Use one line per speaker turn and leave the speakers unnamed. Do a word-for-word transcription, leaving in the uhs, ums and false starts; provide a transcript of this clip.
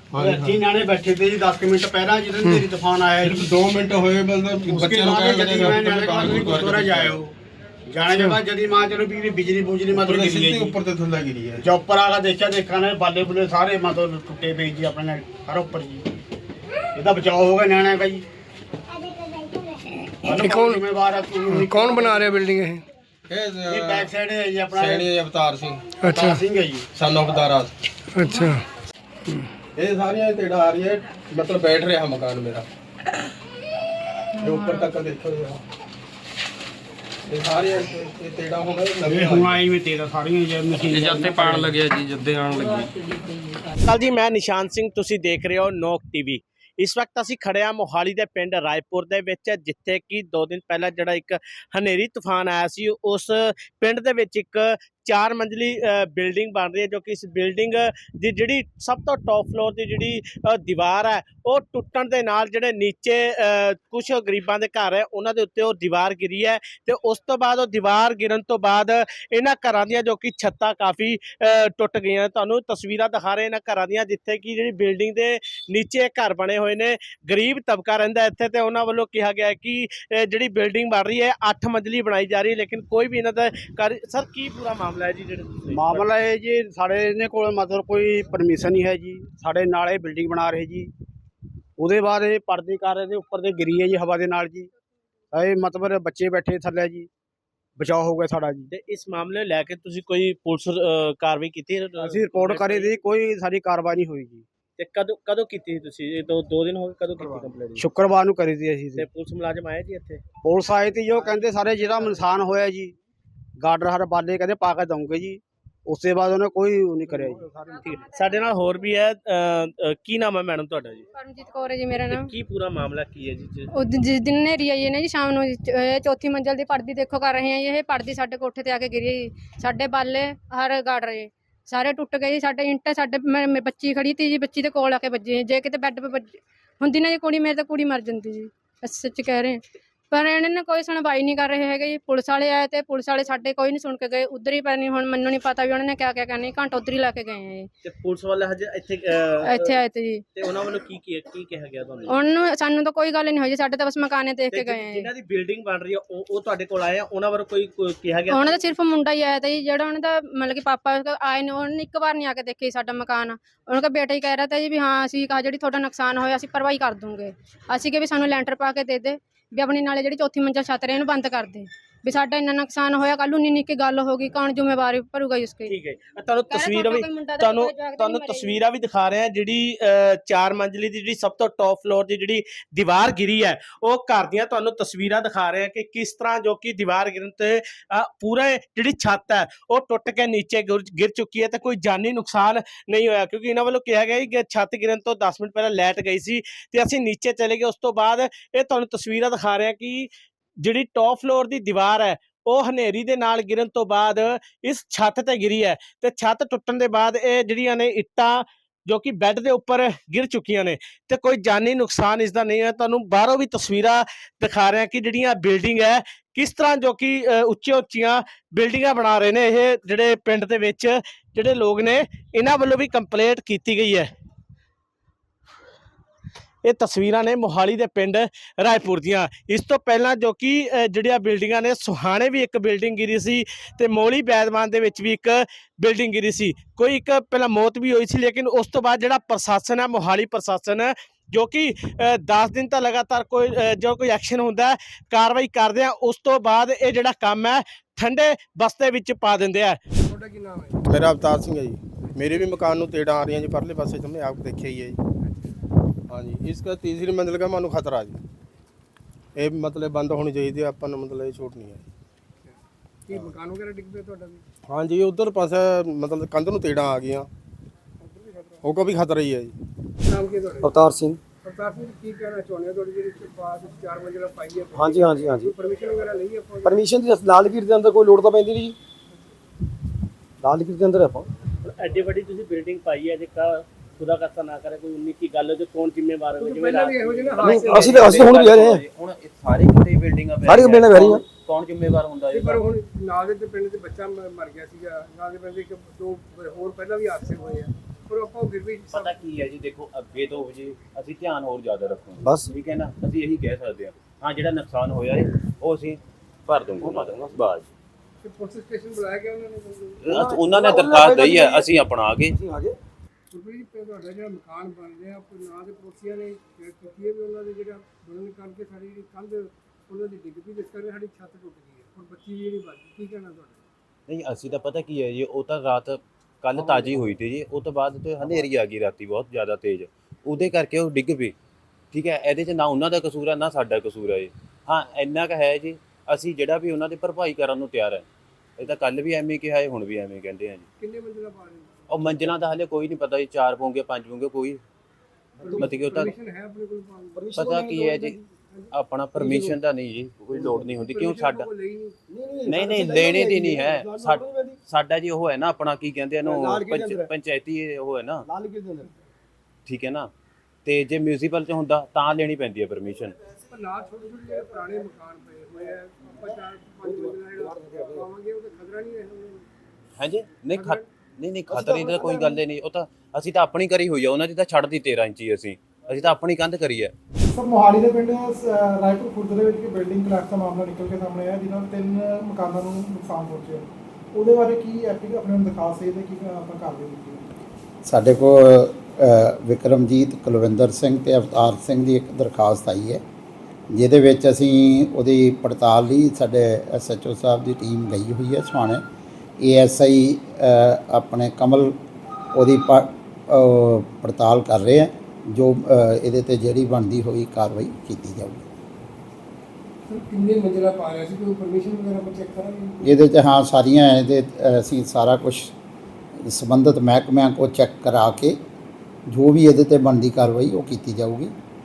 अच्छी न्याणे बैठे थे जी दस मिनट पहला जिधर मेरी तूफान आया जी
दो मिनट होए मतलब
उसके बाद जब मैं न्याणे का गुरुद्वारा जाए हो जाने के बाद जब मां चलो बिजली बिजली बुजली मतलब गिरी है
ऊपर से थल्ला गिरी है
जब ऊपर आकर देखा देखा ने बाले बुले सारे मतलब टूटे पे जी अपने सारा ऊपर जी ਇਹਦਾ ਬਚਾਓ ਹੋਗਾ ਨਿਆਣਿਆਂ ਦਾ ਜੀ
कौन
ਜ਼ਿੰਮੇਵਾਰ ਹੈ ਤੁਸੀਂ
कौन बना रहे बिल्डिंग ये
ਇਹ ਬੈਕ ਸਾਈਡ ਹੈ ਜੀ ਆਪਣਾ
ਸੈਣੀ ਅਵਤਾਰ ਸਿੰਘ
अच्छा
ਸਿੰਘ ਹੈ ਜੀ
ਸਨ ਆਫ ਦਾਰਾਜ
अच्छा
ਇਹ ਸਾਰੀਆਂ ਤੇੜਾ ਆ ਰਹੀ ਹੈ ਮਤਲਬ ਬੈਠ ਰਿਹਾ ਮਕਾਨ ਮੇਰਾ ਇਹ ਉੱਪਰ ਤੱਕ ਦੇਖੋ ਇਹ ਸਾਰੀਆਂ ਇਹ ਤੇੜਾ ਹੁਣ
ਇਹ ਹੁਣ ਆਈ ਮੈਂ ਤੇਰਾ ਸਾਰੀਆਂ ਜੇ ਮਸ਼ੀਨ
ਜੱਦੇ ਪਾਣ ਲੱਗਿਆ ਜੀ ਜੱਦੇ ਆਣ ਲੱਗੀ।
ਕੱਲ ਜੀ ਮੈਂ ਨਿਸ਼ਾਨ ਸਿੰਘ, ਤੁਸੀਂ ਦੇਖ ਰਹੇ ਹੋ ਨੋਕ ਟੀਵੀ। ਇਸ ਵਕਤ ਅਸੀਂ ਖੜੇ ਹਾਂ ਮੋਹਾਲੀ ਦੇ ਪਿੰਡ ਰਾਏਪੁਰ ਦੇ ਵਿੱਚ, ਜਿੱਥੇ ਕਿ ਦੋ ਦਿਨ ਪਹਿਲਾਂ ਜਿਹੜਾ ਇੱਕ ਹਨੇਰੀ ਤੂਫਾਨ ਆਇਆ ਸੀ, ਉਸ ਪਿੰਡ ਦੇ ਵਿੱਚ ਇੱਕ ਚਾਰ ਮੰਜ਼ਲੀ ਬਿਲਡਿੰਗ ਬਣ ਰਹੀ ਹੈ, ਜੋ ਕਿ ਇਸ ਬਿਲਡਿੰਗ ਦੀ ਜਿਹੜੀ ਸਭ ਤੋਂ ਟੌਪ ਫਲੋਰ ਦੀ ਜਿਹੜੀ ਦੀਵਾਰ ਹੈ ਉਹ ਟੁੱਟਣ ਦੇ ਨਾਲ ਜਿਹੜੇ ਨੀਚੇ ਕੁਝ ਗਰੀਬਾਂ ਦੇ ਘਰ ਹੈ ਉਹਨਾਂ ਦੇ ਉੱਤੇ ਉਹ ਦੀਵਾਰ ਗਿਰੀ ਹੈ। ਤੇ ਉਸ ਤੋਂ ਬਾਅਦ ਉਹ ਦੀਵਾਰ ਗਿਰਨ ਤੋਂ ਬਾਅਦ ਇਹਨਾਂ ਘਰਾਂ ਦੀਆਂ ਜੋ ਕਿ ਛੱਤਾਂ ਕਾਫੀ ਟੁੱਟ ਗਈਆਂ। ਤੁਹਾਨੂੰ ਤਸਵੀਰਾਂ ਦਿਖਾ ਰਹੇ ਇਹਨਾਂ ਘਰਾਂ ਦੀਆਂ, ਜਿੱਥੇ ਕਿ ਜਿਹੜੀ ਬਿਲਡਿੰਗ ਦੇ ਨੀਚੇ ਘਰ ਬਣੇ ਹੋਏ ਨੇ। ਗਰੀਬ ਤਬਕਾ ਰਹਿੰਦਾ ਇੱਥੇ, ਤੇ ਉਹਨਾਂ ਵੱਲੋਂ ਕਿਹਾ ਗਿਆ ਕਿ ਜਿਹੜੀ ਬਿਲਡਿੰਗ ਬਣ ਰਹੀ ਹੈ ਅੱਠ ਮੰਜ਼ਲੀ ਬਣਾਈ ਜਾ ਰਹੀ ਹੈ, ਲੇਕਿਨ ਕੋਈ ਵੀ ਇਹਨਾਂ ਦਾ ਕਰ ਸਰ ਕੀ ਪੂਰਾ ਮਾਮਲਾ ਹੈ ਜੀ? ਜਿਹੜੇ
ਮਾਮਲਾ ਇਹ ਜੀ ਸਾਡੇ ਇਹਨੇ ਕੋਲ ਮਤਲਬ ਕੋਈ ਪਰਮਿਸ਼ਨ ਨਹੀਂ ਹੈ ਜੀ, ਸਾਡੇ ਨਾਲ ਇਹ ਬਿਲਡਿੰਗ ਬਣਾ ਰਹੇ ਜੀ, ਉਹਦੇ ਬਾਅਦ ਇਹ ਪਰਦੇ ਕਰ ਦੇ ਉੱਪਰ ਤੇ ਗਿਰੀ ਹੈ ਜੀ ਹਵਾ ਦੇ ਨਾਲ ਜੀ। ਇਹ ਮਤਲਬ ਬੱਚੇ ਬੈਠੇ ਥੱਲੇ ਜੀ, ਬਚਾਅ ਹੋ ਗਿਆ ਸਾਡਾ ਜੀ।
ਤੇ ਇਸ ਮਾਮਲੇ ਲੈ ਕੇ ਤੁਸੀਂ ਕੋਈ ਪੁਲਿਸ ਕਾਰਵਾਈ ਕੀਤੀ?
ਅਸੀਂ ਰਿਪੋਰਟ ਕਰੀ ਦੀ, ਕੋਈ ਸਾਡੀ ਕਾਰਵਾਈ ਨਹੀਂ ਹੋਈ ਜੀ।
ਤੇ ਕਦੋਂ ਕਦੋਂ ਕੀਤੀ ਤੁਸੀਂ? ਇਹ ਦੋ ਦੋ ਦਿਨ ਹੋ ਗਏ, ਕਦੋਂ ਕੀਤੀ ਕੰਪਲੇਂਟ?
ਸ਼ੁੱਕਰਵਾਰ ਨੂੰ ਕਰੀ ਦੀ ਅਸੀਂ
ਤੇ ਪੁਲਿਸ ਮੁਲਾਜ਼ਮ ਆਏ ਜੀ ਇੱਥੇ?
ਪੁਲਿਸ ਆਏ ਤੇ ਜੀ, ਉਹ ਕਹਿੰਦੇ ਸਾਰੇ ਜਿਹੜਾ ਨੁਕਸਾਨ ਹੋਇਆ ਜੀ ਗਾਰਡਰ ਹਰ ਬਾਲੇ ਕਹਿੰਦੇ ਪਾ ਕੇ ਦਊਂਗੇ ਜੀ, ਉਸ ਤੋਂ ਬਾਅਦ ਉਹਨੇ ਕੋਈ ਨਹੀਂ ਕਰਿਆ ਜੀ।
ਠੀਕ ਹੈ, ਸਾਡੇ ਨਾਲ ਹੋਰ ਵੀ ਹੈ। ਕੀ ਨਾਮ ਹੈ ਮੈਡਮ ਤੁਹਾਡਾ ਜੀ?
ਪਰਮਜੀਤ ਕੌਰ ਹੈ ਜੀ ਮੇਰਾ ਨਾਮ।
ਕੀ ਪੂਰਾ ਮਾਮਲਾ ਕੀ ਹੈ ਜੀ?
ਉਹ ਦਿਨ- ਜਿਸ ਦਿਨ ਹਨੇਰੀ ਆਈ ਹੈ ਨਾ ਜੀ ਸ਼ਾਮ ਨੂੰ, ਇਹ ਚੌਥੀ ਮੰਜ਼ਲ ਦੀ ਪਰਦੀ ਦੇਖੋ ਕਰ ਰਹੇ ਹਾਂ ਜੀ। ਇਹ ਪਰਦੀ ਸਾਡੇ ਕੋਠੇ ਤੇ ਆ ਕੇ ਗਿਰੀ ਜੀ, ਸਾਡੇ ਬਾਲੇ ਹਰ ਗਾੜ ਰਹੇ ਸਾਰੇ ਟੁੱਟ ਗਏ ਜੀ। ਸਾਡੇ ਇੰਟ ਸਾਡੇ ਮੈਂ ਬੱਚੀ ਖੜੀ ਤੀ ਜੀ, ਬੱਚੀ ਦੇ ਕੋਲ ਆ ਕੇ ਵੱਜੇ। ਜੇ ਕਿਤੇ ਬੈੱਡ 'ਤੇ ਵੱਜ ਹੁੰਦੀ ਨਾ ਜੀ ਕੁੜੀ, ਮੇਰੇ ਤਾਂ ਕੁੜੀ ਮਰ ਜਾਂਦੀ ਜੀ, ਅਸੀਂ ਸੱਚ ਕਹਿ ਰਹੇ ਹਾਂ। ਪਰ ਇਹਨਾਂ ਨੇ ਕੋਈ ਸੁਣਵਾਈ ਨਹੀਂ ਕਰ ਰਹੇ ਹੈਗੇ ਜੀ। ਪੁਲਿਸ ਵਾਲੇ ਆਏ ਤੇ ਪੁਲਿਸ ਵਾਲੇ ਸਾਡੇ ਕੋਈ ਨਹੀਂ ਸੁਣ ਕੇ ਗਏ, ਉਧਰ ਹੀ ਪੈ ਨਹੀਂ। ਹੁਣ ਮੈਨੂੰ ਨਹੀਂ ਪਤਾ ਵੀ ਉਹਨਾਂ ਨੇ ਕਿਆ ਕਿਆ ਕਰਨੀ, ਘੰਟਾ ਉਧਰ ਹੀ ਲਾ ਕੇ ਗਏ ਆ ਜੀ।
ਤੇ ਪੁਲਿਸ ਵਾਲੇ ਹਜੇ ਇੱਥੇ
ਇੱਥੇ ਆਏ ਤੇ ਜੀ,
ਤੇ ਉਹਨਾਂ ਵੱਲੋਂ ਕੀ ਕੀ ਕੀ ਕਿਹਾ ਗਿਆ ਤੁਹਾਨੂੰ?
ਉਹਨੂੰ ਸਾਨੂੰ ਤਾਂ ਕੋਈ ਗੱਲ ਨਹੀਂ ਹੋਈ ਜੀ, ਸਾਡੇ ਤਾਂ ਬਸ ਮਕਾਨੇ ਦੇਖ ਕੇ ਗਏ ਆ।
ਜਿਨ੍ਹਾਂ ਦੀ ਬਿਲਡਿੰਗ ਬਣ ਰਹੀ ਹੈ ਉਹ ਉਹ ਤੁਹਾਡੇ ਕੋਲ ਆਏ ਆ, ਉਹਨਾਂ ਵੱਲੋਂ ਕੋਈ ਕਿਹਾ ਗਿਆ?
ਉਹਨਾਂ ਦਾ ਸਿਰਫ ਮੁੰਡਾ ਹੀ ਆਇਆ ਤਾ ਜੀ, ਜਿਹੜਾ ਉਹਨਾਂ ਦਾ ਮਤਲਬ ਕਿ ਪਾਪਾ ਆਏ ਨੇ, ਉਹਨੇ ਇੱਕ ਵਾਰ ਨਹੀਂ ਆ ਕੇ ਦੇਖੇ ਸਾਡਾ ਮਕਾਨ। ਉਹਨਾਂ ਦਾ ਬੇਟਾ ਹੀ ਕਹਿ ਰਿਹਾ ਤਾ ਜੀ ਵੀ ਹਾਂ ਅਸੀਂ ਕਹਾ ਜਿਹੜੀ ਤੁਹਾਡਾ ਨੁਕਸਾਨ ਹੋਇਆ ਅਸੀਂ ਭਰਵਾਈ ਕਰ ਦੂੰਗੇ। ਅਸੀਂ ਕਿ ਵੀ ਸਾਨੂੰ ਲੈਂਟਰ ਪਾ ਕੇ ਦੇ ਦੇ, ਵੀ ਆਪਣੀ ਨਾਲੇ ਜਿਹੜੀ ਚੌਥੀ ਮੰਜ਼ਲ ਛੱਤ ਰਹੇ ਇਹਨੂੰ ਬੰਦ ਕਰ ਦੇ, ਵੀ ਸਾਡਾ ਇੰਨਾ ਨੁਕਸਾਨ ਹੋਇਆ, ਕੱਲ ਨੂੰ ਨਿੱਕੀ ਗੱਲ ਹੋ ਗਈ, ਕੌਣ ਜ਼ਿੰਮੇਵਾਰੀ ਭਰੂਗਾ ਇਸਕੇ?
ਠੀਕ ਹੈ, ਤੁਹਾਨੂੰ ਤਸਵੀਰਾਂ ਵੀ ਤੁਹਾਨੂੰ ਤੁਹਾਨੂੰ ਤਸਵੀਰਾਂ ਵੀ ਦਿਖਾ ਰਹੇ ਹਾਂ। ਜਿਹੜੀ ਚਾਰ ਮੰਜ਼ਲੀ ਦੀ ਜਿਹੜੀ ਸਭ ਤੋਂ ਟੌਪ ਫਲੋਰ ਦੀ ਜਿਹੜੀ ਦੀਵਾਰ ਗਿਰੀ ਹੈ, ਉਹ ਘਰ ਦੀਆਂ ਤੁਹਾਨੂੰ ਤਸਵੀਰਾਂ ਦਿਖਾ ਰਹੇ ਹਾਂ ਕਿ ਕਿਸ ਤਰ੍ਹਾਂ ਜੋ ਕਿ ਦੀਵਾਰ ਗਿਰਨ ਤੇ ਪੂਰਾ ਜਿਹੜੀ ਛੱਤ ਹੈ ਉਹ ਟੁੱਟ ਕੇ ਨੀਚੇ ਗਿਰ ਚੁੱਕੀ ਹੈ, ਤੇ ਕੋਈ ਜਾਨੀ ਨੁਕਸਾਨ ਨਹੀਂ ਹੋਇਆ। ਕਿਉਂਕਿ ਇਹਨਾਂ ਵੱਲੋਂ ਕਿਹਾ ਗਿਆ ਕਿ ਛੱਤ ਗਿਰਨ ਤੋਂ ਦਸ ਮਿੰਟ ਪਹਿਲਾਂ ਲਾਈਟ ਗਈ ਸੀ ਤੇ ਅਸੀਂ ਨੀਚੇ ਚਲੇ ਗਏ। ਉਸ ਤੋਂ ਬਾਅਦ ਇਹ ਤੁਹਾਨੂੰ ਤਸਵੀਰਾਂ ਦਿਖਾ ਰਹੇ ਹਾਂ ਕਿ ਜਿਹੜੀ ਟੌਪ ਫਲੋਰ ਦੀ ਦੀਵਾਰ ਹੈ ਉਹ ਹਨੇਰੀ ਦੇ ਨਾਲ ਗਿਰਨ ਤੋਂ ਬਾਅਦ ਇਸ ਛੱਤ ਤੇ ਗਿਰੀ ਹੈ, ਤੇ ਛੱਤ ਟੁੱਟਣ ਦੇ ਬਾਅਦ ਇਹ ਜਿਹੜੀਆਂ ਨੇ ਇੱਟਾਂ ਜੋ ਕਿ ਬੈੱਡ ਦੇ ਉੱਪਰ ਗਿਰ ਚੁੱਕੀਆਂ ਨੇ, ਤੇ ਕੋਈ ਜਾਨੀ ਨੁਕਸਾਨ ਇਸ ਦਾ ਨਹੀਂ ਹੈ। ਤੁਹਾਨੂੰ ਬਾਹਰੋਂ ਵੀ ਤਸਵੀਰਾਂ ਦਿਖਾ ਰਹੇ ਹਾਂ ਕਿ ਜਿਹੜੀਆਂ ਬਿਲਡਿੰਗ ਹੈ ਕਿਸ ਤਰ੍ਹਾਂ ਜੋ ਕਿ ਉੱਚੀਆਂ ਉੱਚੀਆਂ ਬਿਲਡਿੰਗਾਂ ਬਣਾ ਰਹੇ ਨੇ ਇਹ ਜਿਹੜੇ ਪਿੰਡ ਦੇ ਵਿੱਚ ਜਿਹੜੇ ਲੋਕ ਨੇ, ਇਹਨਾਂ ਵੱਲੋਂ ਵੀ ਕੰਪਲੇਂਟ ਕੀਤੀ ਗਈ ਹੈ। ਇਹ ਤਸਵੀਰਾਂ ਨੇ ਮੋਹਾਲੀ ਦੇ ਪਿੰਡ ਰਾਏਪੁਰ ਦੀਆਂ। ਇਸ ਤੋਂ ਪਹਿਲਾਂ ਜੋ ਕਿ ਜਿਹੜੀਆਂ ਬਿਲਡਿੰਗਾਂ ਨੇ, ਸੁਹਾਣੇ ਵੀ ਇੱਕ ਬਿਲਡਿੰਗ ਗਿਰੀ ਸੀ ਤੇ ਮੋਲੀ ਬੈਦਵਾਨ ਦੇ ਵਿੱਚ ਵੀ ਇੱਕ ਬਿਲਡਿੰਗ ਗਿਰੀ ਸੀ। ਕੋਈ ਇੱਕ ਪਹਿਲਾਂ ਮੌਤ ਵੀ ਹੋਈ ਸੀ, ਲੇਕਿਨ ਉਸ ਤੋਂ ਬਾਅਦ ਜਿਹੜਾ ਪ੍ਰਸ਼ਾਸਨ ਹੈ, ਮੋਹਾਲੀ ਪ੍ਰਸ਼ਾਸਨ ਜੋ ਕਿ ਦਸ ਦਿਨ ਤਾਂ ਲਗਾਤਾਰ ਕੋਈ ਜੋ ਕੋਈ ਐਕਸ਼ਨ ਹੁੰਦਾ ਕਾਰਵਾਈ ਕਰਦੇ ਆ, ਉਸ ਤੋਂ ਬਾਅਦ ਇਹ ਜਿਹੜਾ ਕੰਮ ਹੈ ਠੰਡੇ ਬਸਤੇ ਵਿੱਚ ਪਾ ਦਿੰਦੇ ਆ।
ਤੁਹਾਡਾ ਕੀ ਨਾਮ ਹੈ?
ਮੇਰਾ ਅਵਤਾਰ ਸਿੰਘ ਹੈ ਜੀ। ਮੇਰੇ ਵੀ ਮਕਾਨ ਨੂੰ ਤੇੜਾਂ ਆ ਰਹੀਆਂ ਜੀ ਪਰਲੇ ਪਾਸੇ, ਤੁਮਨੇ ਆਪ ਦੇਖਿਆ ਹੀ ਹੈ ਜੀ। हाँ जी, इसका तीसरी मंजिल का मानू खतरा जी, ये मतलब बंद होनी चाहिए, अपन मतलब ये छूट नहीं है।
ਕੀ ਮਕਾਨ ਵਗੈਰਾ ਡਿੱਗ ਪਿਆ ਤੁਹਾਡਾ ਵੀ?
हाँ जी, उधर पास मतलब कंध ਨੂੰ ਤੇੜਾਂ ਆ ਗਈਆਂ, ਉਹ ਕੋ ਵੀ ਖਤਰਾ ਹੀ ਹੈ ਜੀ।
ਨਾਮ ਕੀ ਤੁਹਾਡਾ?
ਅਵਤਾਰ ਸਿੰਘ।
ਅਵਤਾਰ ਸਿੰਘ ਕੀ ਕਹਿਣਾ ਚਾਹੁੰਦੇ ਹੋ ਤੁਹਾਡੀ ਜਿਹੜੀ ਬਾਅਦ ਚਾਰ ਮੰਜ਼ਿਲਾ ਪਾਈ ਹੈ?
ਹਾਂਜੀ ਹਾਂਜੀ ਹਾਂਜੀ,
ਪਰਮਿਸ਼ਨ ਵਗੈਰਾ ਲਈ ਆਪਾਂ?
ਪਰਮਿਸ਼ਨ ਦੀ ਲਾਲਗੀਰ ਦੇ ਅੰਦਰ ਕੋਈ ਲੋੜ ਤਾਂ ਪੈਂਦੀ ਨਹੀਂ ਜੀ, ਲਾਲਗੀਰ ਦੇ ਅੰਦਰ ਆਪਾਂ
ਐਡੀ ਵੱਡੀ ਤੁਸੀਂ ਬਿਲਡਿੰਗ ਪਾਈ ਹੈ, ਜੇ ਖੁਦਾ ਕਰਤਾ ਨਾ ਕਰੇ ਕੋਈ ਉਨੀ ਕੀ ਗੱਲ ਹੋ, ਤੇ ਕੌਣ ਜ਼ਿੰਮੇਵਾਰ ਹੋਵੇ? ਜਿਵੇਂ
ਅਸੀਂ ਤਾਂ ਅਸੀਂ ਹੁਣ ਵੀ ਰਹੇ ਹਾਂ,
ਹੁਣ ਸਾਰੇ ਕਿਤੇ ਬਿਲਡਿੰਗਾਂ
ਸਾਰੀ ਬਿਲਡਿੰਗਾਂ ਬਹਿ ਰਹੀਆਂ,
ਕੌਣ ਜ਼ਿੰਮੇਵਾਰ ਹੁੰਦਾ ਹੈ?
ਪਰ ਹੁਣ ਨਾਲ ਦੇ ਪਿੰਡ ਦੇ ਬੱਚਾ ਮਰ ਗਿਆ ਸੀਗਾ, ਨਾਲ ਦੇ ਪਿੰਡ ਦੇ ਇੱਕ ਦੋ ਹੋਰ ਪਹਿਲਾਂ ਵੀ ਹਾਦਸੇ ਹੋਏ ਆ, ਪਰ ਆਪਾਂ ਫਿਰ ਵੀ
ਪਤਾ ਕੀ ਹੈ ਜੀ, ਦੇਖੋ ਅੱਗੇ ਤੋਂ ਜੀ ਅਸੀਂ ਧਿਆਨ ਹੋਰ ਜ਼ਿਆਦਾ ਰੱਖਾਂਗੇ
ਬਸ।
ਠੀਕ ਹੈ ਨਾ, ਅਸੀਂ ਇਹੀ ਕਹਿ ਸਕਦੇ ਹਾਂ। ਹਾਂ ਜਿਹੜਾ ਨੁਕਸਾਨ ਹੋਇਆ ਹੈ ਉਹ ਅਸੀਂ ਭਰ ਦੂੰਗੇ ਮਾਤਾ ਬਾਅਦ।
ਤੇ ਪੁਲਿਸ ਸਟੇਸ਼ਨ ਬੁਲਾਇਆ ਗਿਆ ਉਹਨਾਂ ਨੇ
ਅਸ- ਉਹਨਾਂ ਨੇ ਦਰਖਾਸਤ ਦਈ ਹੈ, ਅਸੀਂ ਆਪਣਾ ਆ ਗਏ।
ਅਸੀਂ ਆ ਗਏ।
ਗੁਰਪ੍ਰੀਤ ਜੀ ਤੁਹਾਡਾ ਜਿਹੜਾ ਮਕਾਨ ਬਣ ਰਿਹਾ ਕੋਈ ਨਾਂ ਦੇ ਪੜੋਸੀਆਂ ਨੇ ਸ਼ਿਕਾਇਤ ਕੀਤੀ ਹੈ ਵੀ ਉਹਨਾਂ ਦੇ ਜਿਹੜਾ ਬਣਨ ਕਰਕੇ ਸਾਡੀ ਜਿਹੜੀ ਕੰਧ ਉਹਨਾਂ ਦੀ ਡਿੱਗ ਪਈ, ਜਿਸ ਕਰਕੇ ਸਾਡੀ ਛੱਤ ਟੁੱਟ ਗਈ ਹੈ ਔਰ ਬੱਚੀ ਵੀ ਜਿਹੜੀ ਬਚ ਗਈ। ਕੀ ਕਹਿਣਾ ਤੁਹਾਡਾ?
ਨਹੀਂ ਅਸੀਂ ਤਾਂ ਪਤਾ ਕੀ ਹੈ ਜੀ, ਉਹ ਤਾਂ ਰਾਤ ਕੱਲ ਤਾਜ਼ੀ ਹੋਈ ਤੀ ਜੀ, ਉਹ ਤੋਂ ਬਾਅਦ ਤੇ ਹਨੇਰੀ ਆ ਗਈ ਰਾਤੀ ਬਹੁਤ ਜ਼ਿਆਦਾ ਤੇਜ਼, ਉਹਦੇ ਕਰਕੇ ਉਹ ਡਿੱਗ ਪਈ। ਠੀਕ ਹੈ, ਇਹਦੇ 'ਚ ਨਾ ਉਹਨਾਂ ਦਾ ਕਸੂਰ ਹੈ ਨਾ ਸਾਡਾ ਕਸੂਰ ਹੈ ਜੀ। ਹਾਂ ਇੰਨਾ ਕੁ ਹੈ ਜੀ, ਅਸੀਂ ਜਿਹੜਾ ਵੀ ਉਹਨਾਂ ਦੀ ਭਰਪਾਈ ਕਰਨ ਨੂੰ ਤਿਆਰ ਹੈ। ਇਹ ਤਾਂ ਕੱਲ ਵੀ ਐਵੇਂ ਕਿਹਾ ਹੈ, ਹੁਣ ਵੀ ਐਵੇਂ ਕਹਿੰਦੇ ਆ ਜੀ।
ਕਿੰਨੇ ਮੰਜ਼ਿਲਾ ਪਾ ਰਹੇ ਹੋ?
ਉਹ ਮੰਜ਼ਿਲਾਂ ਦਾ ਹਲੇ ਕੋਈ ਨਹੀਂ ਪਤਾ ਜੀ, ਚਾਰ ਪਊਗੇ ਪੰਜ ਪਊਗੇ ਕੋਈ ਮਤਲਬ ਕਿ ਉਹ ਤਾਂ
ਪਰਮਿਸ਼ਨ ਹੈ ਆਪਣੇ ਕੋਲ ਪਾਉਣ ਦੀ?
ਪਤਾ ਕੀ ਹੈ ਜੀ, ਆਪਣਾ ਪਰਮਿਸ਼ਨ ਦਾ ਨਹੀਂ ਜੀ, ਕੋਈ ਲੋੜ ਨਹੀਂ ਹੁੰਦੀ। ਕਿਉਂ ਸਾਡਾ
ਕੋਈ ਲਈ ਨਹੀਂ।
ਨਹੀਂ ਨਹੀਂ ਲੈਣੇ ਦੀ ਨਹੀਂ ਹੈ ਸਾ- ਸਾਡਾ ਜੀ ਉਹ ਹੈ ਨਾ ਆਪਣਾ ਕੀ ਕਹਿੰਦੇ ਇਹਨੂੰ ਪੰਚ- ਪੰਚਾਇਤੀ ਉਹ ਹੈ ਨਾ,
ਲਾਲ ਕਿਸ ਦੇ ਅੰਦਰ
ਠੀਕ ਹੈ ਨਾ। ਤੇ ਜੇ ਮਿਊਨਿਸਪਲ ਚ ਹੁੰਦਾ ਤਾਂ ਲੈਣੀ ਪੈਂਦੀ ਹੈ ਪਰਮਿਸ਼ਨ।
ਪਰ ਨਾਲ ਛੋਟੇ ਛੋਟੇ ਜਿਹੜੇ ਪੁਰਾਣੇ ਮਕਾਨ ਪਏ ਹੋਏ ਆ, ਆਪਾਂ ਚਾਰ ਪੰਜ ਮੰਜ਼ਿਲਾ ਜਿਹੜਾ ਪਾਵਾਂਗੇ ਉਹ ਤਾਂ ਖਤਰਾ ਨਹੀਂ ਹੈ ਉਹਨਾਂ ਨੂੰ?
ਹਾਂਜੀ ਨਹੀਂ ਖ ਨਹੀਂ ਨਹੀਂ ਖਤਰੇ ਦੀ ਤਾਂ ਕੋਈ ਗੱਲ ਹੀ ਨਹੀਂ। ਉਹ ਤਾਂ ਅਸੀਂ ਤਾਂ ਆਪਣੀ ਕਰੀ ਹੋਈ ਆ, ਉਹਨਾਂ ਦੀ ਤਾਂ ਛੱਡਦੀ ਤੇਰਾਂ ਇੰਚੀ ਅਸੀਂ ਅਸੀਂ ਤਾਂ ਆਪਣੀ ਕੰਧ ਕਰੀ ਹੈ।
ਸਰ ਮੋਹਾਲੀ ਦੇ ਪਿੰਡ ਅ, ਰਾਏਪੁਰ ਖੁਰਦ ਦੇ ਵਿੱਚ ਇੱਕ ਬਿਲਡਿੰਗ ਕਲੈਕਟ ਦਾ ਮਾਮਲਾ ਨਿਕਲ ਕੇ ਸਾਹਮਣੇ ਆਇਆ, ਜਿਨ੍ਹਾਂ ਨੂੰ ਤਿੰਨ ਮਕਾਨਾਂ ਨੂੰ ਨੁਕਸਾਨ ਪਹੁੰਚਿਆ। ਉਹਦੇ ਬਾਰੇ ਕੀ ਐਪੀ ਆਪਣੇ ਨੂੰ ਦਿਖਾ ਸਕਦੇ ਕੀ ਆਪਾਂ ਕਰਦੇ ਹਾਂ?
ਸਾਡੇ ਕੋਲ ਅ, ਵਿਕਰਮਜੀਤ ਕੁਲਵਿੰਦਰ ਸਿੰਘ ਤੇ ਅਵਤਾਰ ਸਿੰਘ ਦੀ ਇੱਕ ਦਰਖਾਸਤ ਆਈ ਹੈ, ਜਿਹਦੇ ਵਿੱਚ ਅਸੀਂ ਉਹਦੀ ਪੜਤਾਲ ਲਈ ਸਾਡੇ ਐਸ ਐਚ ਓ ਸਾਹਿਬ ਦੀ ਟੀਮ ਗਈ ਹੋਈ ਹੈ ਸੁਹਾਣੇ। ਏ ਐਸ ਆਈ ਆਪਣੇ ਕਮਲ ਉਹਦੀ ਪ- ਅ, ਪੜਤਾਲ ਕਰ ਰਹੇ ਹੈ, ਜੋ ਅ, ਇਹਦੇ ਤੇ ਜਿਹੜੀ ਬਣਦੀ ਹੋਈ ਕਾਰਵਾਈ ਕੀਤੀ ਜਾਊਗੀ।
ਸਰ ਕਿੰਨੇ ਮੰਜ਼ਿਲਾ ਪਾ ਰਿਹਾ ਸੀ, ਕੋਈ ਪਰਮਿਸ਼ਨ ਵਗੈਰਾ ਆਪਾਂ ਚੈੱਕ ਕਰਾਂਗੇ?
ਇਹਦੇ 'ਚ ਹਾਂ ਸਾਰੀਆਂ ਇਹਦੇ ਅ, ਅਸੀਂ ਸਾਰਾ ਕੁਝ ਸੰਬੰਧਿਤ ਮਹਿਕਮਿਆਂ ਕੋਲ ਚੈੱਕ ਕਰਾ ਕੇ ਜੋ ਵੀ ਇਹਦੇ ਤੇ ਬਣਦੀ ਕਾਰਵਾਈ ਉਹ ਕੀਤੀ ਜਾਊਗੀ।